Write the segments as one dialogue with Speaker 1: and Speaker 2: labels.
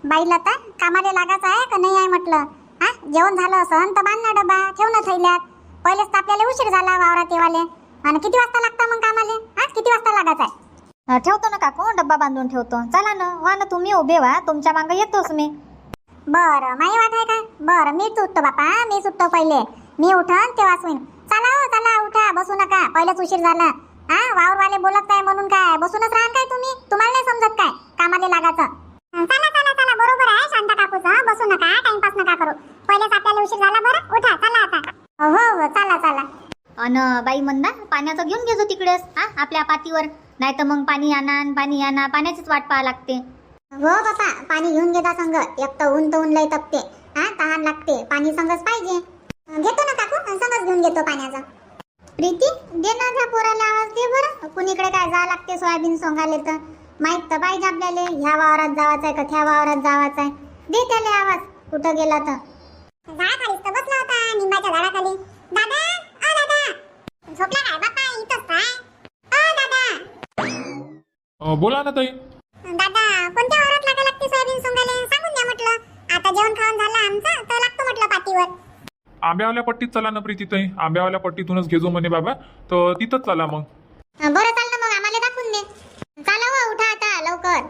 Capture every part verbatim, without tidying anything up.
Speaker 1: बाईला तर कामाला लागायचं आहे का नाही आहे म्हटलं. हा जेवण झालं असं तर बांध ना डबा, ठेव ना थैल्यात. पहिलेच तर आपल्याला उशीर झाला वावरात येवाले. आणि किती वाजता लागतं मग कामाले? हा किती वाजता लागायचं आहे?
Speaker 2: अं, ठेवतो ना काकू, डब्बा बांधून ठेवतो. चला ना, व्हा ना तुम्ही उभे व्हा, तुमच्या मागं येतोच मी.
Speaker 1: बरं माही वाट आहे का? बरं मी उठतो बापा, मी उठतो पहिले. मी उठन तेव्हाच होईन. चला हो चला, उठा, बसू नका, पहिलेच उशीर झाला. हा वावरवाले बोलत काय म्हणून काय बसूनच राहाल काय तुम्ही? तुम्हाला नाही समजत काय कामाले लागायचं? चला चला चला, बरोबर आहे शांता काकूचं, बसू नका, टाइमपास नका करू. पहिलेच आपल्याला उशीर झाला. बरं उठा, चला आता. हो हो चला चला.
Speaker 2: अन बाई म्हणा पाण्याचं घेऊन घेजो तिकडेच, हा आपल्या पातीवर. नाही तर मग पाणी आणा न पाणी आणा, पाण्याचीच वाट पाहा लागते.
Speaker 1: हो बापा, पाणी घेऊन घेता संग. एक तर ऊन तर ऊन लय तपते. हा तहान लागते, पाणी संगच पाहिजे. घेतो ना काकू, संगच घेऊन घेतो पाण्याचा. प्रीती दे ना त्या पोराला आवाज दे बरं. कुणीकडे काय जा लागते सोयाबीन सोंगाले तर माहित तर पाहिजे आपल्याला. ह्या वावरात जावाचं आहे का त्या वावरात जावाचं आहे. दे त्याला आवाज, कुठं गेला तर. झाडाखाली तर बसला होता, निंबाच्या झाडाखाली. दादा ओ दादा, झोपला काय बापा? इथंच काय? ओ दादा.
Speaker 3: अ, बोला ना ताई.
Speaker 1: दादा कोणत्या वावरात लागा लागते सोयाबीन सोंगाले सांगून द्या म्हटलं. आता जेवण खाऊन झालं आमचं तर लागतो म्हटलं पातीवर.
Speaker 3: आंब्यावाल्या पट्टीत चला ना प्रीती ताई, आंब्यावाल्या पट्टीतूनच घेजो म्हणे बाबा, तर तिथंच चला मग.
Speaker 1: बरं चाल ना मग, आम्हाला दाखवून दे. चला हो, उठा आता लवकर.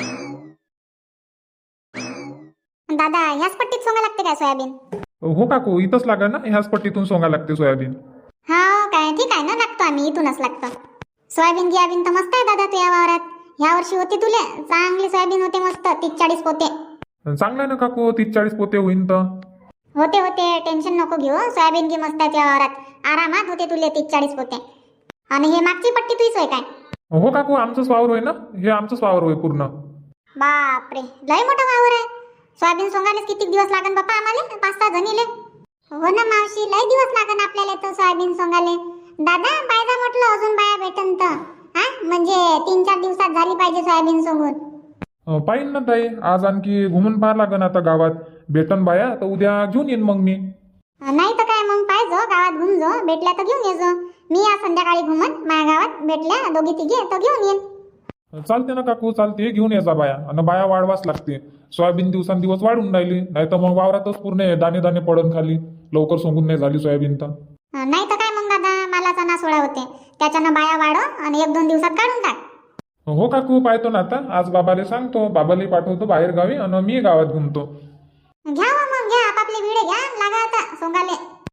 Speaker 1: दादा ह्याच पट्टीत सोंगा लागते काय सोयाबीन?
Speaker 3: हो काकू, इथंच लागा ना, ह्याच पट्टीतून सोंगा लागते सोयाबीन.
Speaker 1: हा काय, ठीक आहे ना, लागतो आम्ही, इथूनच लागतो. सोयाबीन गियाबीन तर मस्त आहे दादा तुझ्या वावरात. ह्या वर्षी होती तुले चांगली सोयाबीन होते, मस्त तीस चाळीस पोते.
Speaker 3: चांगलं आहे ना काकू, तीस चाळीस पोते होईन तर.
Speaker 1: होते होते, टेन्शन नको घेऊ. सोयाबीन गी मस्त आहे तुझ्या वावरात, आरामात होते तुले तीस चाळीस पोते. आणि हे मागची पट्टी तुझीच होय काय?
Speaker 3: हो काकू, आमचंच वावर होय ना, हे आमचंच वावर होय पूर्ण.
Speaker 1: बापरे, लय मोठा वावर आहे. सोयाबीन सोंगायला किती दिवस लागन बापा आम्हाला? पाच सहा जणीले. हो ना मावशी, लय दिवस लागन आपल्याला तर सोयाबीन सोंगाले. दादा पाहिजे म्हटलं, अजून बाया भेटन तर. हा म्हणजे तीन चार दिवसात झाली पाहिजे सोयाबीन सोंगून.
Speaker 3: अ, पाहिन ना ताई, आज आणखी घुमून पाहा लागन आता गावात. भेटन बाया तर उद्या घेऊन येईन मग मी.
Speaker 1: नाही तर काय मग, पाहिजो गावात घुमजो, भेटल्या तर घेऊन येजो. मी आज संध्याकाळी घुमन माझ्या गावात, भेटल्या दोघी तिघे तर घेऊन येईन.
Speaker 3: चालते ना काकू, चालते, घेऊन यायचा बाया. आणि बाया वाढवाच लागते, सोयाबीन दिवसांदिवस वाढून राहिली. नाही तर मग वावरातच पूर्ण दाणे दाणे पडन खाली, लवकर सोंगून नाही झाली सोयाबीन तर.
Speaker 1: नाही तर काय मग दादा, मालाचा नासोडा होते, त्याच्यानं बाया वाढव आणि एक दोन दिवसात काढून टाक.
Speaker 3: हो काकू, पाहतो ना आता. आज बाबाले सांगतो, बाबाला पाठवतो बाहेर गावी आणि मी गावात घुमतो.
Speaker 1: घ्या हो मग, घ्या आपापले विडे घ्या, लागा आता सोंगाले.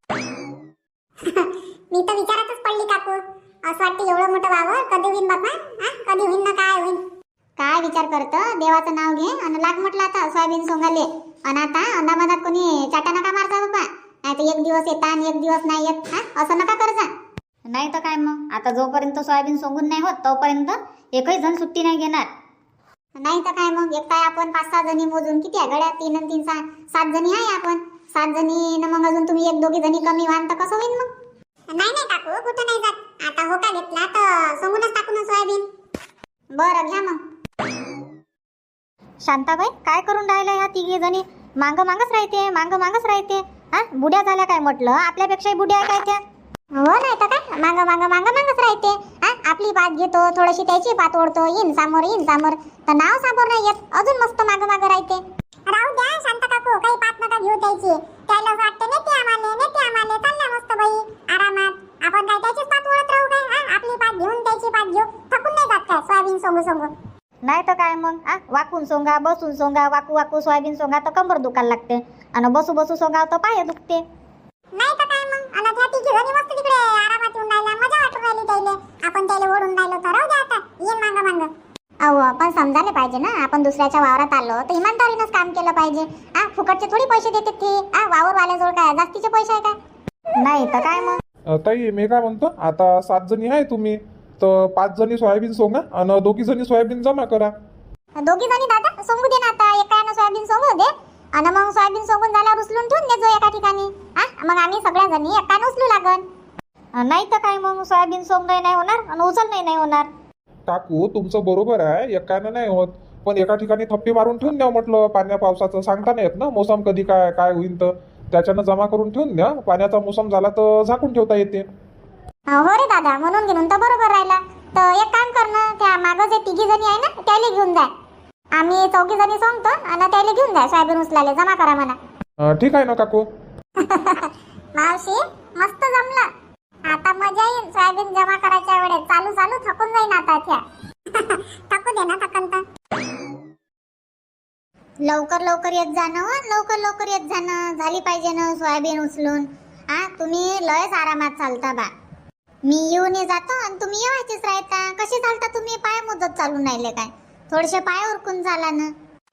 Speaker 1: मी तर विचारातच पडली काकू. असं वाटतं एवढं मोठं वावर कधी होईन बापा? हा कधी होईन ना काय होईन? काय विचार करतं, देवाचं नाव घे आणि लाग म्हटलं आता सोयाबीन सोंगाले. आणि आता अंदामधात कोणी चाटा नका मारता बाबा, नाही तर एक दिवस येता आणि एक दिवस नाही येत. हा असं नका करजा.
Speaker 2: नाही तर काय मग, आता जोपर्यंत सोयाबीन सोंगून नाही होत तोपर्यंत एकही जण सुट्टी नाही घेणार.
Speaker 1: नाही तर काय मग, एक काय आपण पाच सहा जणी मोजून किती आहे गड्या? तीन आणि तीन सहा, सात जणी आहे आपण. सात जणी न मग अजून तुम्ही एक दोघी जणी कमी व्हाल तर कसं होईल मग? नाही नाही काकू, कुठं नाही जात. आता होका घेतला तर सोंगूनच टाकू ना सोयाबीन. बरं घ्या मग.
Speaker 2: शांताबाई काय करून राहिल्या ह्या तिघी जणी? मांग मागच राहते, मांग मागच राहते. हा बुड्या झाल्या काय म्हटलं? आपल्यापेक्षाही बुड्या आहे काय त्या?
Speaker 1: हो नाही तर काय, मांग मांग मांग मागच राहते. हा आपली पात घेतो, थोडीशी त्याची पात ओढतो, येईन समोर येईन समोर, तर नाव समोर नाही येत, अजून मस्त माग माग राहते. राहू द्या शांत काकू, काही पात नका घेऊ द्यायची. त्याला असं वाटतं नेते आम्हाले, नेते आम्हाले, चालल्या मस्त बाई आरामात. आपण काय त्याचीच पात ओढत राहू काय? हा आपली पात घेऊन त्याची पात घेऊ, थकून नाही जात काय सोयाबीन सोंगू सोंगू?
Speaker 2: नाही तर काय मग, आ वाकून सोंगा, बसून सोंगा, वाकू वाकू सोयाबीन सोंगा तर कंबर दुखायला लागते, आणि बसू बसू सोंगा तर पाय दुखते.
Speaker 1: नाही तर काय मग, आणि त्या तिघी जणी मस्त तिकडे आरामात येऊन राहिल्या, मजा वाटून राहिली त्याले. आपण त्याला ओढून राहिलो तर राहू द्या आता, ये मांग मांग. अहो आपण समजायला पाहिजे ना, आपण दुसऱ्याच्या वावरात आलो तर इमानदारीनंच काम केलं पाहिजे. हा फुकटचे थोडी पैसे देतात ते. हा वावरवाल्याजवळ काय जास्तीचे पैसे आहे काय?
Speaker 2: नाही तर काय मग.
Speaker 3: अ, ताई मी काय म्हणतो, आता सात जणी आहे तुम्ही, तर पाच जणी सोयाबीन सोंगा आणि दोघी जणी सोयाबीन जमा करा.
Speaker 1: दोघी जणी दादा सोंगू दे ना आता, एकानं सोयाबीन सोंगू दे आणि मग सोयाबीन सोंगून झाल्यावर उचलून ठेवून देजो एका ठिकाणी. हा मग आम्ही सगळ्या जणी एकानं उचलू लागन.
Speaker 2: नाही तर काय मग, सोयाबीन सोंगणं नाही होणार आणि उचलणं नाही होणार.
Speaker 3: काकू तुमचं बरोबर आहे, एकानं नाही होत, पण एका ठिकाणी थप्पी मारून ठेवून द्या म्हटलं. पाण्या पावसाचं सांगता नाही येत ना, मोसम कधी काय काय होईल, तर त्याच्यानं जमा करून ठेवून द्या. पाण्याचा मोसम झाला तर झाकून ठेवता येते.
Speaker 1: हो रे दादा, म्हणून घेऊन तर बरोबर राहिला. तर एक काम कर ना, त्या मागं जे तिघी जणी आहे ना त्याला घेऊन जा. आम्ही चौघी जणी सांगतो आणि त्याला घेऊन जा सोयाबीन उचलायला जमा करा म्हणा.
Speaker 3: अं, ठीक आहे ना काकू.
Speaker 1: मावशी मस्त जमलं. आता मजा येईल सोयाबीन जमा करायच्या वेळेस. चालू चालू थकून जाईन आता त्या. थकू दे ना थकन तर. लवकर लवकर येत जाणं हो, लवकर लवकर येत जाणं. झाली पाहिजे ना सोयाबीन उचलून. हा तुम्ही लयच आरामात चालता बा. मी येऊन जातो आणि तुम्ही येवायचेच राहता. कसे चालता तुम्ही? पाय मुदत चालून राहिले काय? थोडेसे पाय उरकून चाला ना.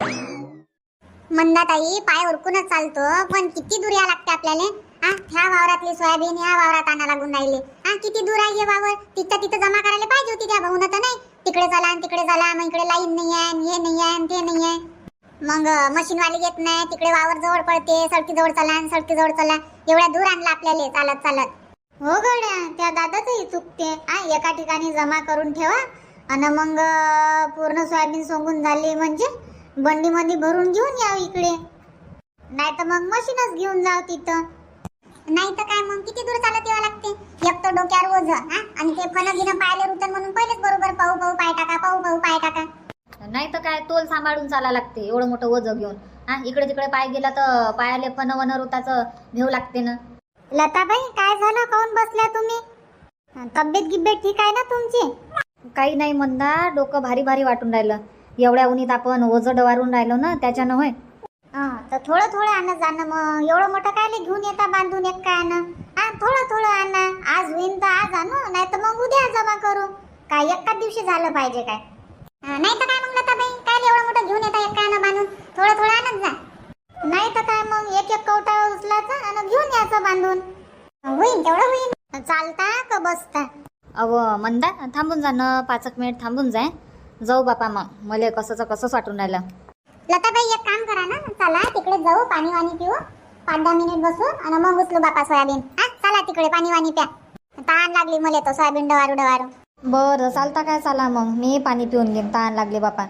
Speaker 1: मंदाताई पाय उरकूनच चालतो, पण किती दूर या लागते आपल्याला. हा ह्या वावरातली सोयाबीन ह्या वावरात आणा लागून राहिले. हा किती दूर आहे हे वावर. तिथं तिथं जमा करायला पाहिजे होती त्या भाऊन तर नाही. तिकडे चला आणि तिकडे चला, मग इकडे लाईन नाही आहे, हे नाही आहे, ते नाही आहे. मग मशीनवाले येत नाही, तिकडे वावर जवळ पडते, सडकी जवळ चला आणि सडकी जवळ चला. एवढ्या दूर आणलं आपल्याला चालत चालत. हो गड्या, त्या दादाचंही चुकते. हा एका ठिकाणी जमा करून ठेवा आणि मग पूर्ण सोयाबीन सोंगून झाली म्हणजे बंडीमध्ये भरून घेऊन या इकडे. नाही तर मग मशीनच घेऊन जाव तिथं. नाही तर काय मग किती दूर चालत यावं लागते. एक तर डोक्यावर ओझ हा आणि ते फन गिनं पायले रुतन म्हणून पहिलेच बरोबर पाहू पाहू पाय टाका, पाहू पाहू पाय टाका.
Speaker 2: नाही तर काय तोल सांभाळून चाला लागते एवढं मोठं ओझं घेऊन. हा इकडे तिकडे पाय गेला तर पायाले फन वन रुताचं भेव लागते ना.
Speaker 1: लताबाई काय झालं, काऊन बसल्या तुम्ही? तब्येत गिब्येत ठीक आहे ना तुमची?
Speaker 2: काही नाही मंदा, डोकं भारी भारी वाटून राहिलं. एवढ्या उन्हीत आपण ओझं डवारून राहिलो ना त्याच्यानं. होय
Speaker 1: हा तर थोडं थोडं आणा जाणं. मग एवढं मोठं कायले घेऊन येता बांधून एक काय आणा. हा थोडं थोडं आणा. आज होईन तर आज आणू, नाही तर मग उद्या जमा करू. काय एकाच दिवशी झालं पाहिजे काय? नाही तर काय मग लताबाई काय एवढं मोठं घेऊन येता एक काय आणा बांधून. थोडं थोडं आणत जा. नाही तर काय मग एक एक कवटा उचलायचा आणि घेऊन यायचं बांधून. होईन तेवढं होईन. चालता का बसता?
Speaker 2: अव मंदा थांबून जा ना, पाच एक मिनिट थांबून जाय. जाऊ बापा मग मला कसंच कसंच वाटून राहिलं.
Speaker 1: लताबाई एक काम करा ना, चला तिकडे जाऊ, पाणी वाणी पिऊ, पाच दहा मिनिट बसू आणि मग उचलू बापा सोयाबीन. हा चला तिकडे पाणी वाणी प्या. तहान लागली मला तो सोयाबीन डवारू डवारू.
Speaker 2: बरं चालता काय, चला मग मी पाणी पिऊन घेईन. तहान लागली बापा.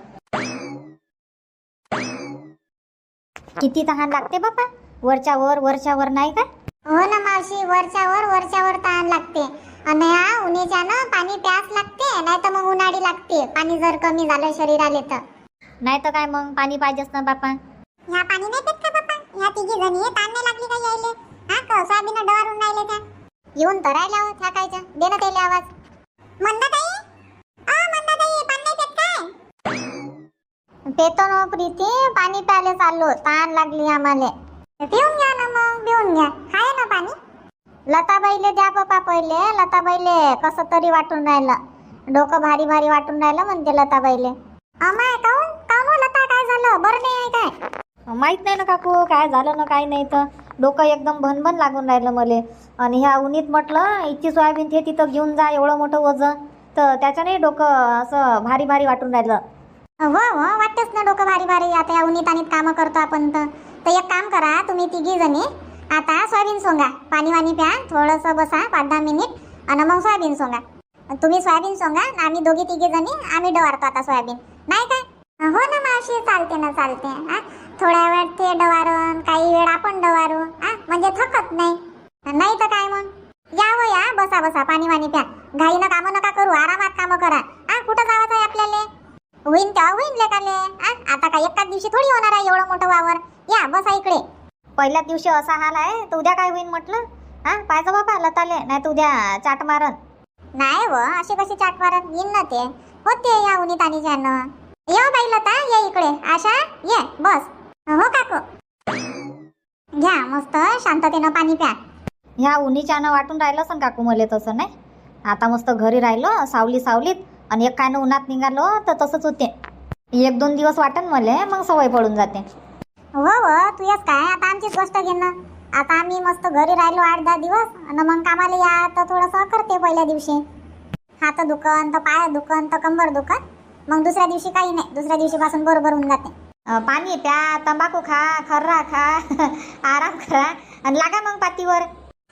Speaker 2: किती तहान लागते बापा? वरच्या वर वरच्या वर नाही का?
Speaker 1: हो ना मावशी, वरच्या वर वरच्या वर तहान लागते. आणि हा उन्हाच्या ना पाणी प्यास लागते, नाही तर मग उन्हाळी लागते. पाणी जर कमी झालं शरीराले तर.
Speaker 2: नाही तर काय मग पाणी पाहिजेच ना बापा.
Speaker 1: ह्या पाणी नाही पेत का बापा? ह्या तिघी जणी ताण नाही लागली का यायले? हा का सोयाबीन डवारून राहिले त्या? येऊन तर राहिल्या हो त्या कायच्या. दे ना त्याला आवाज. मंदाताई, आ मंदाताई पाणी नाही पेत काय? पेतो ना प्रीती, पाणी प्यायला चाललो. ताण लागली आम्हाला. पिऊन घ्या ना मग, पिऊन घ्या. आहे ना पाणी? लताबाईले द्या बापा पहिले. लताबाईले कसं तरी वाटून राहिलं. डोकं भारी भारी वाटून राहिलं म्हणते लताबाईले. अमाय काऊन काऊन हो लता, काय झालं? बरं नाही आहे काय?
Speaker 2: माहित नाही ना काकू काय झालं ना काय नाही. तर डोकं एकदम भनभन लागून राहिलं मले. आणि ह्या उन्हीत म्हटलं इतकी सोयाबीन ते तिथं घेऊन जा एवढं मोठं वजन, तर त्याच्याने डोकं असं भारी भारी वाटून राहिलं.
Speaker 1: हो हो वाटतच ना डोकं भारी भारी. आता या उन्हीत आणीत कामं करतो आपण तर. तर एक काम करा तुम्ही तिघी जणी, आता सोयाबीन सोंगा, पाणी वाणी प्या, थोडंसं बसा पाच दहा मिनिट आणि मग सोयाबीन सोंगा. तुम्ही सोयाबीन सोंगा, आम्ही दोघी तिघी जणी आम्ही डवारतो आता सोयाबीन. नाही काय? हो ना मावशी, चालते ना चालते. हा थोड्या वेळ ते डवारून, काही वेळ आपण डवारू. हा म्हणजे थकत नाही. नाही तर काय मग. या हो या, बसा बसा, पाणी वाणी प्या. घाईनं कामं नका करू, आरामात कामं करा. हा कुठं जावंच आहे आपल्याला? होईन तेव्हा होईन लेकाले. हा आता काय एकाच दिवशी थोडी होणार आहे एवढं मोठं वावर. या बसा इकडे.
Speaker 2: पहिल्याच दिवशी असा हाल आहे तर उद्या काय होईन म्हटलं. हा पाहिजे बाबा लताले, नाही तर उद्या चाट मारन.
Speaker 1: नाही व अशी कशी चाट मारत येईन ना ते. होते या उन्हीत आणि ज्यानं. ये बाई लता, ये इकडे. आशा ये बस. हो काकू. घ्या मस्त शांततेनं पाणी प्या.
Speaker 2: ह्या उन्हीच्यानं वाटून राहिलं सं काकू मले तसं नाही. आता मस्त घरी राहिलो सावली सावलीत आणि एक कायनं उन्हात निघालो तर तसंच होते. एक दोन दिवस वाटन मले, मग सवय पडून जाते.
Speaker 1: हो हो तू येस काय, आता आमचीच गोष्ट घे ना. आता आम्ही मस्त घरी राहिलो आठ दहा दिवस आणि मग कामाला या तर थोडंसं करते पहिल्या दिवशी. हात दुखन तर पाय दुखन तर कंबर दुखन, मग दुसऱ्या दिवशी काही नाही. दुसऱ्या दिवशी पासून बरोबर होऊन जाते.
Speaker 2: पाणी प्या, तंबाखू खा, खर्रा खा, आराम करा आणि लागा मग पातीवर.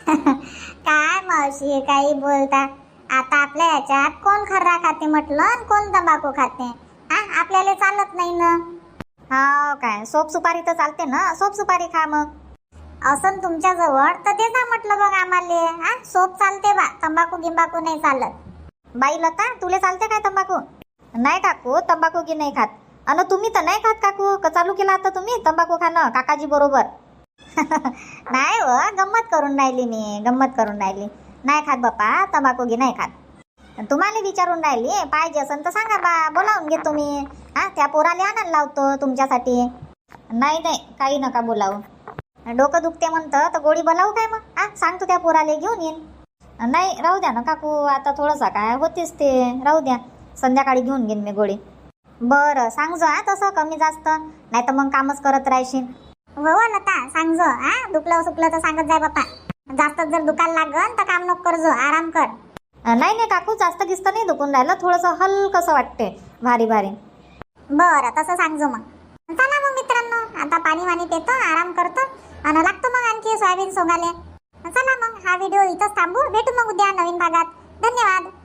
Speaker 1: काय मावशी काही बोलता. आता आपल्या याच्यात कोण खर्रा खाते म्हटलं आणि कोण तंबाखू खाते. हा आपल्याला चालत नाही ना.
Speaker 2: हा काय सोप सुपारी तर चालते ना, सोप सुपारी खा मग.
Speaker 1: असं तुमच्या जवळ तर ते जा म्हटलं बघ आम्हाला. हा सोप चालते बा, तंबाखू गिंबाखू नाही चालत.
Speaker 2: बाई लता तुले चालते काय तंबाखू? नाही काकू तंबाखू की नाही खात. अन तुम्ही तर नाही खात काकू का चालू केला आता तुम्ही तंबाखू खाणं काकाजी बरोबर? नाही हो, गंमत करून राहिली मी, गंमत करून राहिली. नाही खात बाप्पा तंबाखू घे, नाही खात. तुम्हाला विचारून राहिली, पाहिजे असेल तर सांगा बा, बोलावून घे तुम्ही. हा त्या पोराला आणायला लावतो तुमच्यासाठी. नाही नाही काही नका बोलावू. डोकं दुखते म्हणतं तर गोळी बोलावू काय मग? हा सांगतो त्या पोराला घेऊन येईन. नाही राहू द्या ना काकू, आता थोडंसं काय होतेच ते, राहू द्या, संध्याकाळी घेऊन घेईन मी गोळी. बरं सांगजो हा तसं कमी जास्त, नाही तर मग कामच करत राहशील.
Speaker 1: हो लता सांगजो. हा दुखलं सुकलं तर सांगत जाय बाप्पा. जास्त जर दुखायला लागन तर काम नको करजो, आराम कर.
Speaker 2: नाही नाही काकू, जास्त गिस्त नाही दुखून राहिलं, थोडंसं हलकंसं वाटते, भारी भारी.
Speaker 1: बरं तसं सांगजो मग. चला मग मित्रांनो, आता पाणी वाणी पितो, आराम करतो आणि लागतो मग आणखी सोयाबीन सोंगाले. चला मग हा व्हिडिओ इथंच थांबू. भेटू मग उद्या नवीन भागात. धन्यवाद.